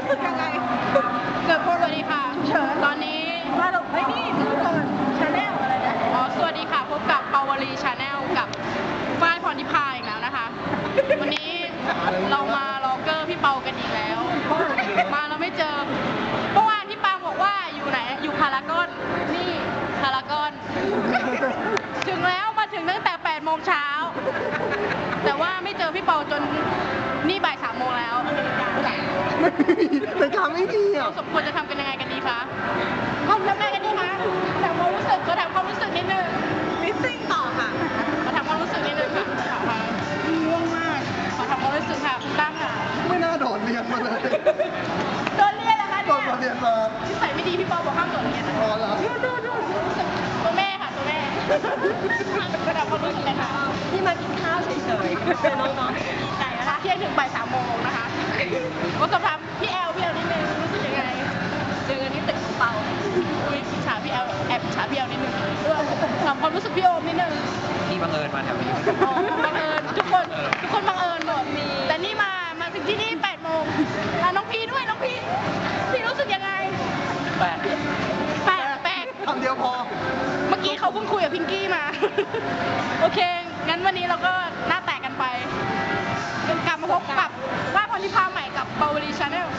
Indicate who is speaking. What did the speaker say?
Speaker 1: ยังไง
Speaker 2: เกิดพูดสวัสดีค่ะเฉินตอนนี้
Speaker 1: มาหลบไม่นี่ทุกคนชาแนลอะไรนะ
Speaker 2: อ๋อสวัสดีค่ะพบกับปาวลีชาแนลกับฝ้ายพรทิพาอีกแล้วนะคะ วันนี้เรามาล็อกเกอร์พี่เปากันอีกแล้ว มาเราไม่เจอเมื่อวานพี่ปางบอกว่าอยู่ไหนอยู่พารากอนนี่พารากอนถึงแล้วมาถึงตั้งแต่8 โมงเช้าแต่ว่าไม่เจอพี่เปาจนนี่บ่าย3 โมงแล้ว
Speaker 3: แต่ทำไม่ดีอ่ะ
Speaker 2: เราสมควรจะทำกันยังไงกันดีคะทำยังไงกันดีคะถามความรู้สึกก็ถามความรู้สึกนิดนึง
Speaker 1: มิสซิ่งต่อค่ะ
Speaker 2: มาถามความรู้สึกนิดนึงค่ะค่ะ
Speaker 1: ง่วงมาก
Speaker 2: ขอถามความรู้สึกค่ะคุณตั้งค่ะ
Speaker 3: ไม่น่าโดดเรียนมาเลย
Speaker 2: โดนเรียนแล้วคะ
Speaker 3: โด
Speaker 2: เนี่ย
Speaker 3: ดมาเรียนมา
Speaker 2: นิสัยไม่ดีพี่ปอบอกห้ามโดนเรียนนะ
Speaker 3: พอแล้ว
Speaker 2: ตัวแม่ค่ะตัวแม่ก็ถามความรู้สึกเลยค่ะ
Speaker 1: ที่มากินข้าวเฉยๆเป็นน้องๆดีใจ
Speaker 2: นะ
Speaker 1: นะคะ คะ
Speaker 2: เที่ยงถึงบ่าย3 โมงนะคะก็สอบถามพี่แอลนิดนึงรู้สึกยังไง
Speaker 1: เจอกันที่ตึกของเปา
Speaker 2: อุ้ยอิจฉาพี่แอลแอบอิจฉาพี่แอลนิดนึงถามความรู้สึกพี่โอมนิดนึง
Speaker 4: ที่บังเอิญมาแถวนี้
Speaker 2: อ๋อบังเอิญทุกคนบังเอิญหมดแต่นี่มาถึงที่นี่8 โมงน้องพีด้วยน้องพีพี่รู้สึกยังไง
Speaker 4: แปด
Speaker 2: แปลก
Speaker 3: คำเดียวพอ
Speaker 2: เมื่อกี้เขาเพิ่งคุยกับพิงกี้มา โอเค งั้นวันนี้เราก็หน้าแตกกันไปกลับมาพบกับว่าพรทิพาใหม่กับเบลลีชาแนล